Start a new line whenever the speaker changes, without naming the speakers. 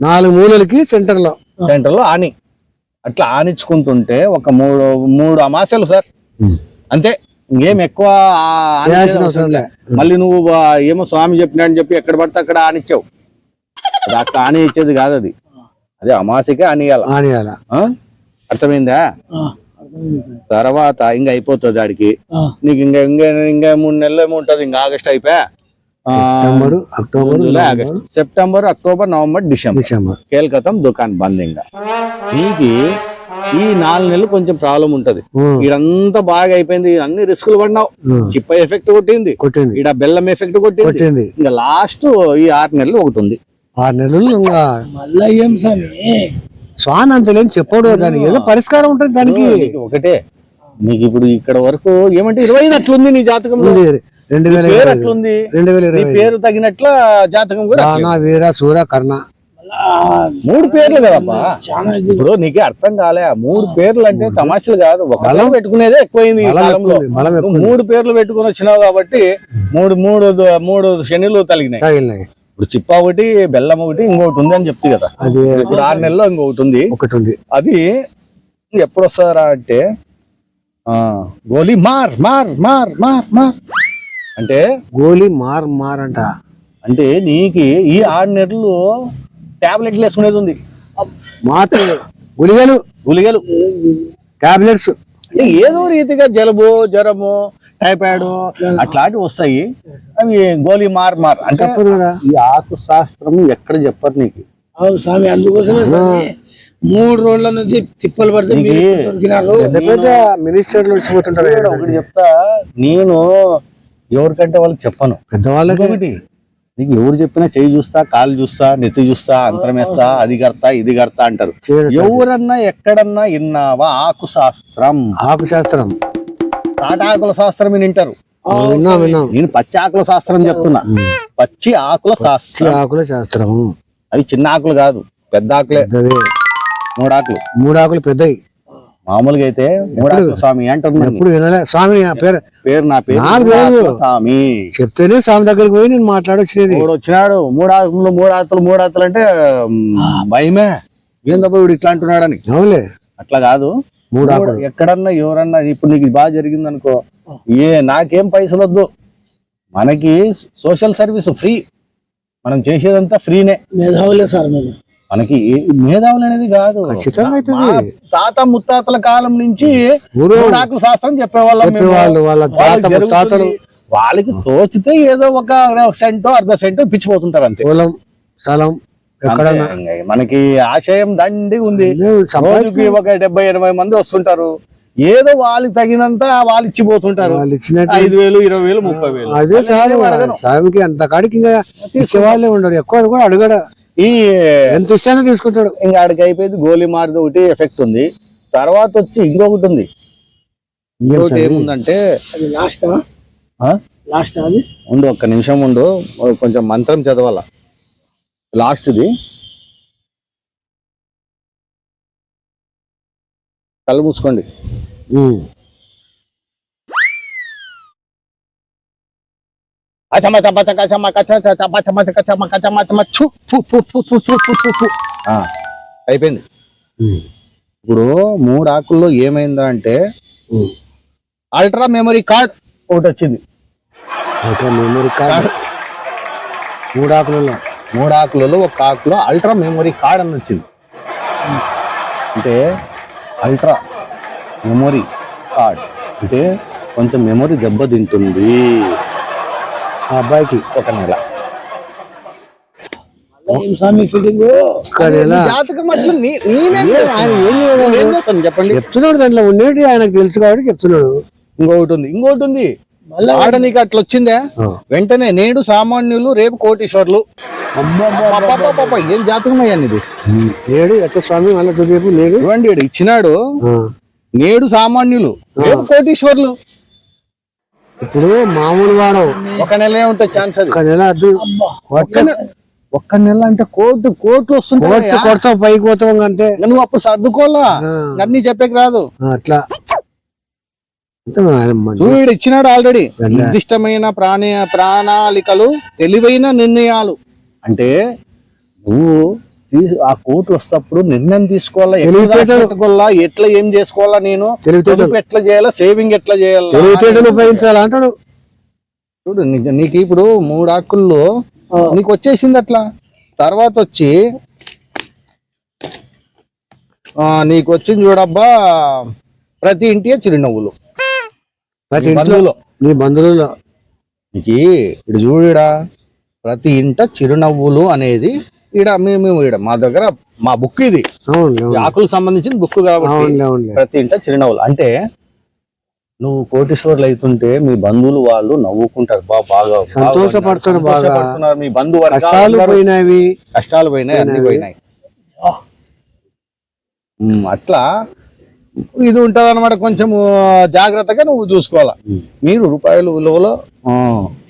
4 మూలలకి centre లో
ఆని అట్లా ఆనించుకుంటుంటే ఒక మూడు అమాసలు సార్ అంతే. ఇంకేం ఎక్కువ మళ్ళీ నువ్వు ఏమో స్వామి చెప్పినా అని చెప్పి ఎక్కడ పడితే అక్కడ ఆనిచ్చావు. అది అక్కడ ఆని ఇచ్చేది కాదు, అది అమాసకే ఆనియాల. అర్థమైందా? తర్వాత ఇంకా అయిపోతుంది ఆడికి. నీకు ఇంకా 3 నెలలు ఏమో ఉంటది. ఇంకా ఆగస్ట్ అయిపోయా, August, September, October, November, December కేల్కతం దుకాన్ బంద్. ఇంకా నీకు ఈ 4 నెలలు కొంచెం ప్రాబ్లం ఉంటది. ఇదంతా బాగా అయిపోయింది, అన్ని రిస్కులు పడినావు. చిప్ప ఎఫెక్ట్ కొట్టింది, ఈడ బెల్లం ఎఫెక్ట్ కొట్టింది. ఇంకా లాస్ట్ ఈ 6 నెలలు ఒకటి ఉంది.
6 నెలలు ఇంకా మళ్ళా ఏం స్వామి అంత లేని చెప్పడు. దానికి ఏదో పరిష్కారం ఉంటుంది దానికి.
ఒకటే నీకు ఇప్పుడు ఇక్కడ వరకు ఏమంటే 25 అట్లుంది నీ జాతకంలో. 2020 అట్లుంది, 2020 పేరు తగినట్ల జాతకం కూడా
వీర సూర కర్ణ
3 పేర్లు కదమ్మా. ఇప్పుడు నీకే అర్థం కాలే. 3 పేర్లు అంటే తమాషలు కాదు. ఒక పెట్టుకునేదే ఎక్కువైంది ఈ కాలంలో. 3 పేర్లు పెట్టుకుని వచ్చినావు కాబట్టి మూడు శనిలు తగిలినాయి. ఇప్పుడు చిప్ప ఒకటి, బెల్లం ఒకటి, ఇంకొకటి ఉంది అని చెప్తుంది కదా. ఇప్పుడు 6 నెలల్లో ఇంకొకటి ఉంది. అది ఎప్పుడు వస్తారా అంటే గోలీ మార్ మార్ మార్ మార్ మార్ అంటే
గోలీ మార్ మార్ అంట.
అంటే నీకు ఈ 6 నెలలు టాబ్లెట్లు వేసుకునేది ఉంది.
మాత్రలు గుళిగలు టాబ్లెట్స్
ఏదో రీతిగా జలుబు, జ్వరము, టైఫాయిడ్ అట్లాంటివి వస్తాయి. అవి గోలీ మార్ మార్ అంటే ఈ ఆకు శాస్త్రం ఎక్కడ చెప్పరు నీకు.
అవును స్వామి, అందుకోసమే 3 రోజుల నుంచి తిప్పలు పడితే
మినిస్టర్లు వచ్చిపోతుంటారు.
ఒకటి చెప్తా, నేను ఎవరికంటే వాళ్ళకి చెప్పను.
పెద్దవాళ్ళకి
నీకు ఎవరు చెప్పినా చెయ్యి చూస్తా, కాలు చూస్తా, నెత్తి చూస్తా, అంతరం వేస్తా, అది కడతా ఇది కడతా అంటారు. ఎవరన్నా ఎక్కడన్నా విన్నావా ఆకు శాస్త్రం? తాటాకుల శాస్త్రం వింటారు. నేను పచ్చి ఆకుల శాస్త్రం చెప్తున్నా. పచ్చి ఆకుల శాస్త్రం. అవి చిన్న ఆకులు కాదు, పెద్ద ఆకులే. 3 ఆకులు పెద్దవి. మామూలుగా అయితే 3 ఆకుల స్వామి అంటున్నాను.
ఎప్పుడు వినలే స్వామి పేరు. నా పేరు
స్వామి
చెప్తేనే స్వామి దగ్గరికి పోయి నేను మాట్లాడొచ్చేది.
వచ్చినాడు 3 ఆకులు అంటే భయమే. ఏందబ్బా వీడు ఇట్లా అంటున్నాడని.
అవులే,
అట్లా కాదు.
3 ఆకులు
ఎక్కడన్నా ఎవరన్నా ఇప్పుడు నీకు బాగా జరిగింది అనుకో, నాకేం పైసలు వద్దు, మనకి సోషల్ సర్వీస్ ఫ్రీ, మనం చేసేదంతా ఫ్రీనే.
మేధావులే సార్,
మనకి మేధావులు అనేది కాదు. తాత ముత్తాతల కాలం నుంచి ఆకుల శాస్త్రం చెప్పేవాళ్ళు. వాళ్ళకి తోచితే ఏదో ఒక సెంటో అర్ధ సెంటో పిచ్చిపోతుంటారు అంతే. మనకి ఆశయం దండి ఉంది. రోజుకి ఒక 70-80 మంది వస్తుంటారు. ఏదో వాళ్ళకి తగినంత వాళ్ళు ఇచ్చిపోతుంటారు. 5,000, 20,000, 30,000.
అదే స్వామికి అంత కాడికి ఇంకా ఇచ్చేవాళ్ళే ఉండరు. ఎక్కువ కూడా అడగడ, ఎంత ఇష్టంగా తీసుకుంటాడు.
ఇంకా ఆడికి అయిపోయింది. గోలీ మారిది ఒకటి ఎఫెక్ట్ ఉంది. తర్వాత వచ్చి ఇంకొకటి ఉంది. ఇంకొకటి ఏముందంటే
లాస్ట్ అది
ఉండు, ఒక్క నిమిషం ఉండు, కొంచెం మంత్రం చదవాల. లాస్ట్ది కళ్ళు మూసుకోండి. అయిపోయింది. ఇప్పుడు 3 ఆకుల్లో ఏమైందా అంటే అల్ట్రా మెమరీ కార్డ్ ఒకటి వచ్చింది.
మెమరీ కార్డ్
3 ఆకులలో ఒక ఆకులో అల్ట్రా మెమరీ కార్డ్ అని వచ్చింది. అంటే అల్ట్రా మెమరీ కార్డ్ అంటే కొంచెం మెమరీ దెబ్బతింటుంది ఆ అబ్బాయికి. 1 నెల
చెప్తున్నాడు. దాంట్లో ఉండేది ఆయనకు తెలుసు కాబట్టి చెప్తున్నాడు.
ఇంకోటి ఉంది. ఆడ నీకు అట్లా వచ్చిందే, వెంటనే నేడు సామాన్యులు రేపు కోటీశ్వర్లు. ఏం జాతకం అయ్యా ఇది?
నేడు ఎట్లా స్వామి
నేడు ఇచ్చినాడు. నేడు సామాన్యులు రేపు కోటీశ్వర్లు.
ఇప్పుడు మామూలు వాడు
1 నెల ఉంటుంది ఛాన్స్. అది
1 నెల అద్దు.
1 నెల అంటే కోట్లు వస్తుంటాయి.
కొడతావు, పైకి పోతావు అంతే.
నువ్వు అప్పుడు సర్దుకోవాలా, అన్ని చెప్పేకి రాదు.
అట్లా
వీడు ఇచ్చినాడు ఆల్రెడీ. నిర్దిష్టమైన ప్రణాళికలు, తెలివైన నిర్ణయాలు. అంటే నువ్వు ఆ కోర్టు వస్తప్పుడు నిర్ణయం తీసుకోవాలా, ఎట్లా ఏం చేసుకోవాలా, నేను పొదుపు ఎట్లా చేయాలా, సేవింగ్ ఎట్లా చేయాలా,
తెలివితేటలు ఉపయోగించాలా అంటాడు.
చూడు నీకు ఇప్పుడు 3 ఆకుల్లో నీకు వచ్చేసింది అట్లా. తర్వాత వచ్చి నీకు వచ్చింది చూడబ్బా, ప్రతి ఇంటి చిరునవ్వులు,
ప్రతి ఇంట్లో నీ బంధువులలో
నీకు ఇటు చూడడా, ప్రతి ఇంట చిరునవ్వులు అనేది మేము మా దగ్గర మా బుక్ ఇది, ఆకులకు సంబంధించిన బుక్ కాబట్టి ప్రతి ఇంట చిరునవ్వులు అంటే నువ్వు కోటీశ్వర్లు అవుతుంటే మీ బంధువులు వాళ్ళు నవ్వుకుంటారు, బాగా సంతోషపడుతున్నారు, మీ బంధువు కష్టాలు పోయినాయి అన్ని పోయినాయి. అట్లా ఇది ఉంటది అనమాట. కొంచెం జాగ్రత్తగా నువ్వు చూసుకోవాలా. మీరు రూపాయలు విలువలో